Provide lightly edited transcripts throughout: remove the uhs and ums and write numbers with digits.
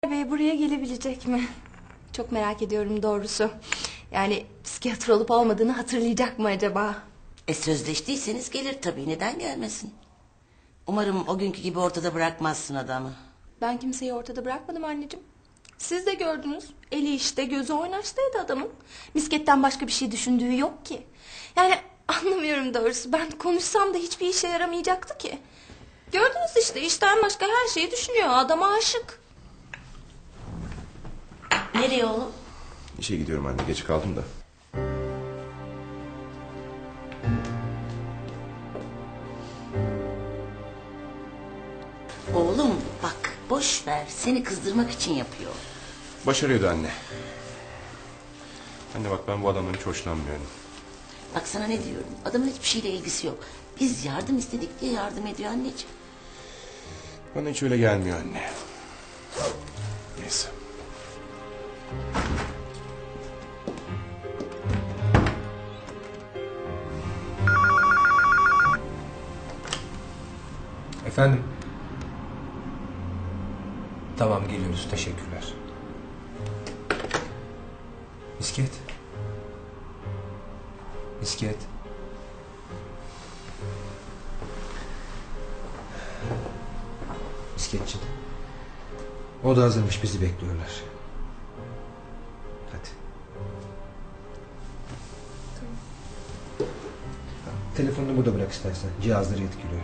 Bey buraya gelebilecek mi? Çok merak ediyorum doğrusu. Yani psikiyatr olup olmadığını hatırlayacak mı acaba? Sözleştiyseniz gelir tabii, neden gelmesin? Umarım o günkü gibi ortada bırakmazsın adamı. Ben kimseyi ortada bırakmadım anneciğim. Siz de gördünüz. Eli işte gözü oynaştaydı adamın. Misketten başka bir şey düşündüğü yok ki. Yani anlamıyorum doğrusu. Ben konuşsam da hiçbir işe yaramayacaktı ki. Gördünüz işte, işten başka her şeyi düşünüyor. Adama aşık. Nereye oğlum? İşe gidiyorum anne, geç kaldım da. Oğlum bak, boş ver, seni kızdırmak için yapıyor. Başarıyordu anne. Anne bak, ben bu adamdan hiç hoşlanmıyorum. Bak sana ne diyorum, adamın hiçbir şeyle ilgisi yok. Biz yardım istedik diye yardım ediyor anneciğim. Bana hiç öyle gelmiyor anne. Neyse. Efendim? Tamam, geliyoruz, teşekkürler. Misket. Misket. Misketciğim. O da hazırmış, bizi bekliyorlar. Hadi. Tamam. Telefonunu burada bırak istersen. Cihazları etkiliyor.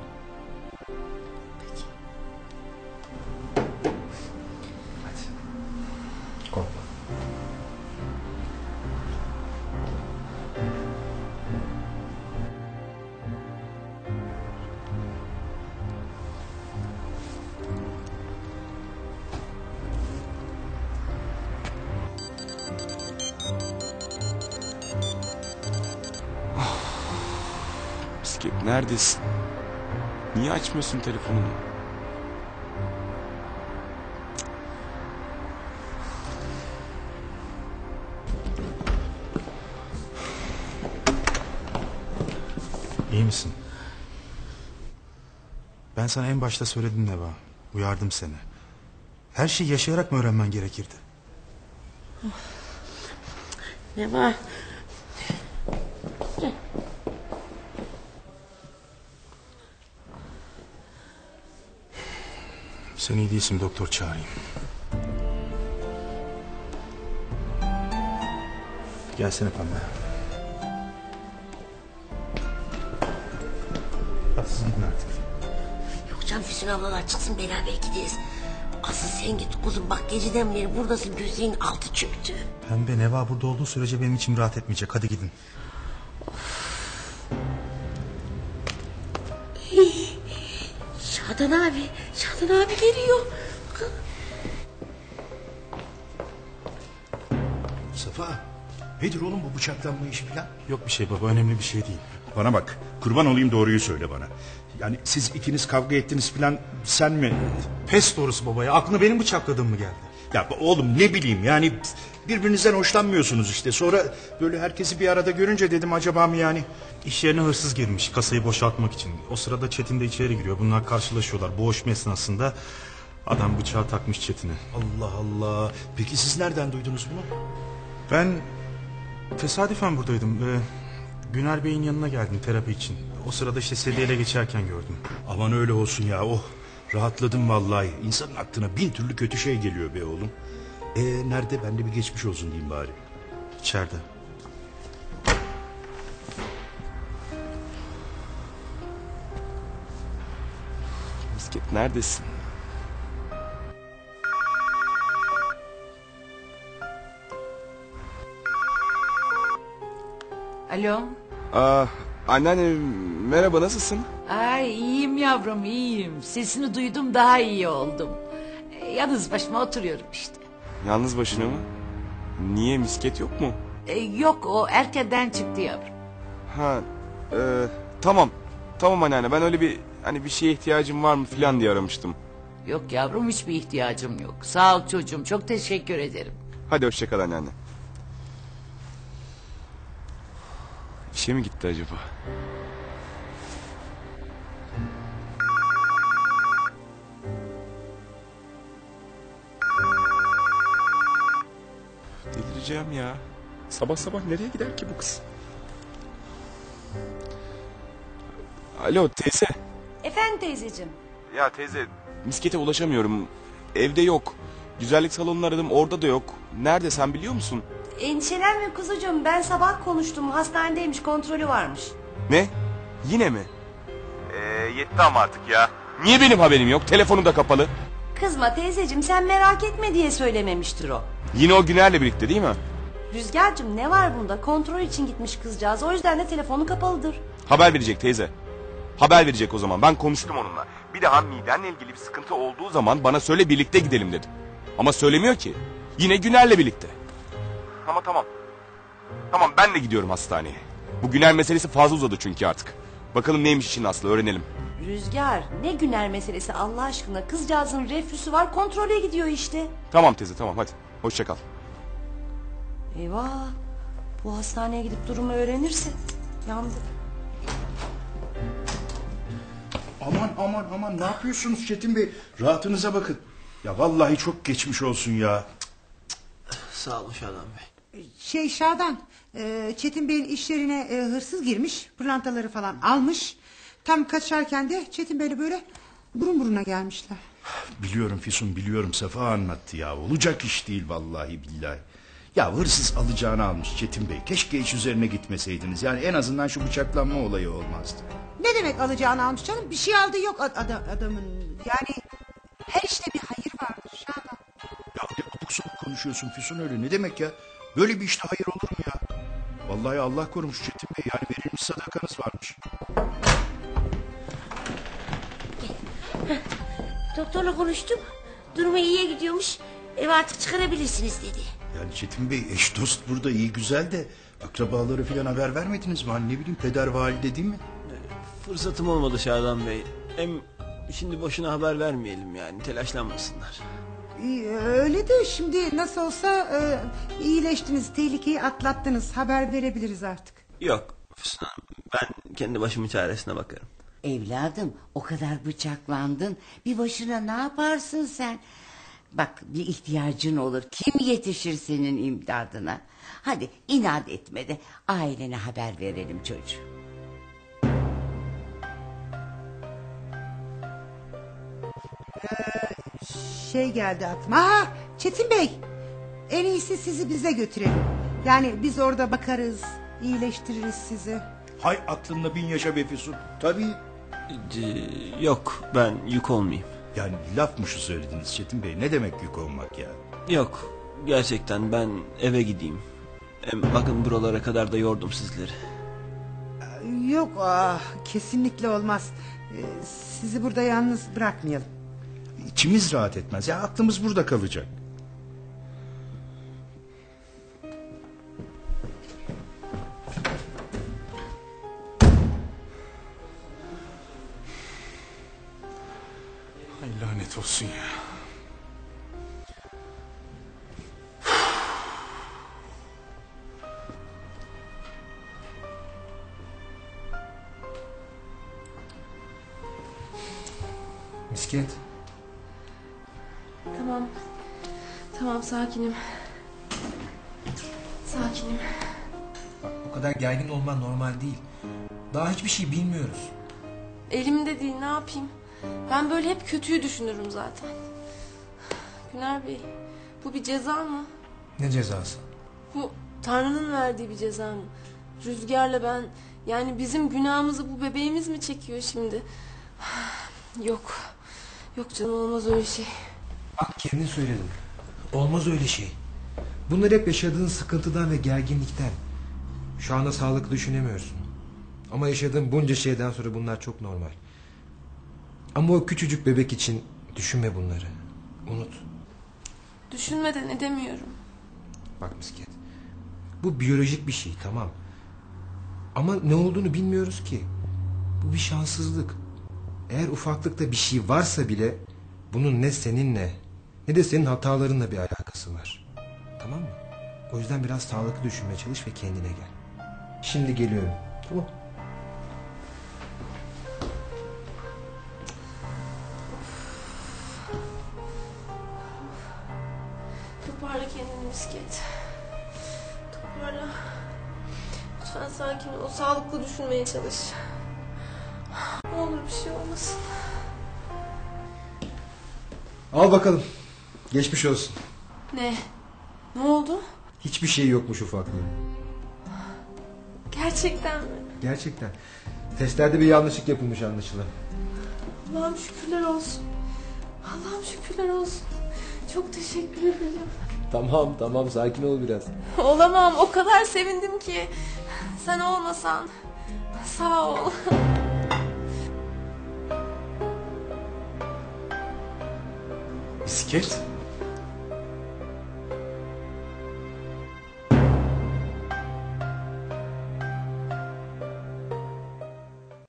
Hadi. Korkma. Misket, neredesin? Niye açmıyorsun telefonunu? İyi misin? Ben sana en başta söyledim Neva. Uyardım seni. Her şeyi yaşayarak mı öğrenmen gerekirdi? Ne var? Sen iyi değilsin, doktor çağırayım. Gelsene Pembe. Hadi siz gidin artık. Yok canım, Füsun ablalar çıksın, beraber gideriz. Asıl sen git kuzum, bak geceden beri buradasın, gözünün altı çöktü. Pembe, Neva burada olduğu sürece benim içim rahat etmeyecek. Hadi gidin. Şadan abi, Şadan abi geliyor. Safa, nedir oğlum bu bıçaklanma işi falan? Yok bir şey baba, önemli bir şey değil. Bana bak, kurban olayım, doğruyu söyle bana. Yani siz ikiniz kavga ettiniz falan, sen mi? Pes doğrusu baba ya, aklına benim bıçakladığım mı geldi? Ya oğlum ne bileyim, yani birbirinizden hoşlanmıyorsunuz işte. Sonra böyle herkesi bir arada görünce dedim acaba mı yani? İş yerine hırsız girmiş kasayı boşaltmak için. O sırada Çetin de içeri giriyor. Bunlar karşılaşıyorlar. Boğuşma esnasında adam bıçağı takmış Çetin'e. Allah Allah. Peki siz nereden duydunuz bunu? Ben tesadüfen buradaydım. Güner Bey'in yanına geldim terapi için. O sırada işte sedyeyle geçerken gördüm. Aman öyle olsun ya, oh. Rahatladım vallahi. İnsanın aklına bin türlü kötü şey geliyor be oğlum. Nerede? Ben de bir geçmiş olsun diyeyim bari. İçeride. Misket, neredesin? Alo. Anneanne merhaba, nasılsın? Ay iyiyim yavrum, iyiyim. Sesini duydum, daha iyi oldum. Yalnız başıma oturuyorum işte. Yalnız başına mı? Niye, Misket yok mu? Yok, o erkenden çıktı yavrum. Ha, tamam. Tamam anneanne, ben öyle bir bir şeye ihtiyacım var mı falan diye aramıştım. Yok yavrum, hiçbir ihtiyacım yok. Sağ ol çocuğum, çok teşekkür ederim. Hadi hoşça kal anneanne. İşe mi gitti acaba? delireceğim ya. Sabah sabah nereye gider ki bu kız? Alo teyze. Efendim teyzeciğim. Ya teyze, miskete ulaşamıyorum. Evde yok. Güzellik salonunu aradım, orada da yok. Nerede, sen biliyor musun? Endişelenme kuzucuğum, ben sabah konuştum, hastanedeymiş, kontrolü varmış. Ne? Yine mi? Yetti ama artık ya. Niye benim haberim yok? Telefonu da kapalı. Kızma teyzeciğim, sen merak etme diye söylememiştir o. Yine o Güner'le birlikte değil mi? Rüzgar'cığım, ne var bunda? Kontrol için gitmiş kızcağız, o yüzden de telefonu kapalıdır. Haber verecek teyze. Haber verecek o zaman. Ben konuştum onunla. Bir daha midenle ilgili bir sıkıntı olduğu zaman bana söyle, birlikte gidelim dedi. Ama söylemiyor ki. Yine Güner'le birlikte. Ama tamam. Tamam, ben de gidiyorum hastaneye. Bu Güner meselesi fazla uzadı çünkü artık. Bakalım neymiş işin aslı, öğrenelim. Rüzgar, ne Güner meselesi Allah aşkına, kızcağızın reflüsü var, kontrole gidiyor işte. Tamam teyze, tamam, hadi. Hoşça kal. Eyvah, bu hastaneye gidip durumu öğrenirse yandık. Aman ne yapıyorsunuz Çetin Bey? Rahatınıza bakın. Ya vallahi çok geçmiş olsun ya. Sağ olun Şadan Bey. Şadan, Çetin Bey'in işlerine hırsız girmiş, pırlantaları falan almış. Tam kaçarken de Çetin Bey'le böyle burun buruna gelmişler. Biliyorum Füsun, biliyorum, Safa anlattı ya. Olacak iş değil vallahi billahi. Ya hırsız alacağını almış Çetin Bey. Keşke hiç üzerine gitmeseydiniz. Yani en azından şu bıçaklanma olayı olmazdı. Ne demek alacağını almış canım? Bir şey aldığı yok adamın. Yani her işte bir hayır vardır Şadan. Ya ne abuk sabuk konuşuyorsun Füsun, öyle ne demek ya? Böyle bir işte hayır olur mu ya? Vallahi Allah korumuş Çetin Bey, yani verilmiş sadakanız varmış. Doktorla konuştum, durumu iyiye gidiyormuş, eve artık çıkarabilirsiniz dedi. Yani Çetin Bey, eş dost burada iyi güzel de akrabaları falan haber vermediniz mi? Hani ne bileyim, peder valide değil mi? Fırsatım olmadı Şadan Bey. Hem şimdi boşuna haber vermeyelim, yani telaşlanmasınlar. Öyle de şimdi nasıl olsa iyileştiniz, tehlikeyi atlattınız. Haber verebiliriz artık. Yok Füsun Hanım, ben kendi başımın çaresine bakarım. Evladım, o kadar bıçaklandın. Bir başına ne yaparsın sen? Bak, bir ihtiyacın olur. Kim yetişir senin imdadına? Hadi inat etme de ailene haber verelim çocuğum. Geldi aklıma. Aha, Çetin Bey, en iyisi sizi bize götürelim. Yani biz orada bakarız, iyileştiririz sizi. Hay aklında bin yaşa be Füsun. Tabii. Yok, ben yük olmayayım. Yani laf mı şu söylediniz Çetin Bey? Ne demek yük olmak ya? Yok, gerçekten ben eve gideyim. Hem bakın buralara kadar da yordum sizleri. Yok, kesinlikle olmaz. Sizi burada yalnız bırakmayalım. İçimiz rahat etmez ya, aklımız burada kalacak. Ay lanet olsun ya. Misket. Tamam. Tamam, sakinim. Sakinim. Bak, bu kadar gergin olman normal değil. Daha hiçbir şey bilmiyoruz. Elimde değil, ne yapayım? Ben böyle hep kötüyü düşünürüm zaten. Güner Bey, bu bir ceza mı? Ne cezası? Bu Tanrı'nın verdiği bir ceza mı? Rüzgar'la ben, yani bizim günahımızı bu bebeğimiz mi çekiyor şimdi? Yok. Yok canım, olmaz öyle şey. Bak, kendin söyledin. Olmaz öyle şey. Bunlar hep yaşadığın sıkıntıdan ve gerginlikten. Şu anda sağlıklı düşünemiyorsun. Ama yaşadığın bunca şeyden sonra bunlar çok normal. Ama o küçücük bebek için düşünme bunları. Unut. Düşünmeden edemiyorum. Bak Misket, bu biyolojik bir şey, tamam. Ama ne olduğunu bilmiyoruz ki. Bu bir şanssızlık. Eğer ufaklıkta bir şey varsa bile bunun ne seninle ne de senin hatalarınla bir alakası var. Tamam mı? O yüzden biraz sağlıklı düşünmeye çalış ve kendine gel. Şimdi geliyorum. Tamam. Toparla kendini Misket. Hala. Lütfen sakin ol. Sağlıklı düşünmeye çalış. Ne olur bir şey olmasın. Al bakalım. Geçmiş olsun. Ne? Ne oldu? Hiçbir şey yokmuş ufaklığın. Gerçekten mi? Gerçekten. Testlerde bir yanlışlık yapılmış anlaşılan. Allah'ım şükürler olsun. Allah'ım şükürler olsun. Çok teşekkür ederim. Tamam sakin ol biraz. Olamam. O kadar sevindim ki. Sen olmasan. Sağ ol. Misket?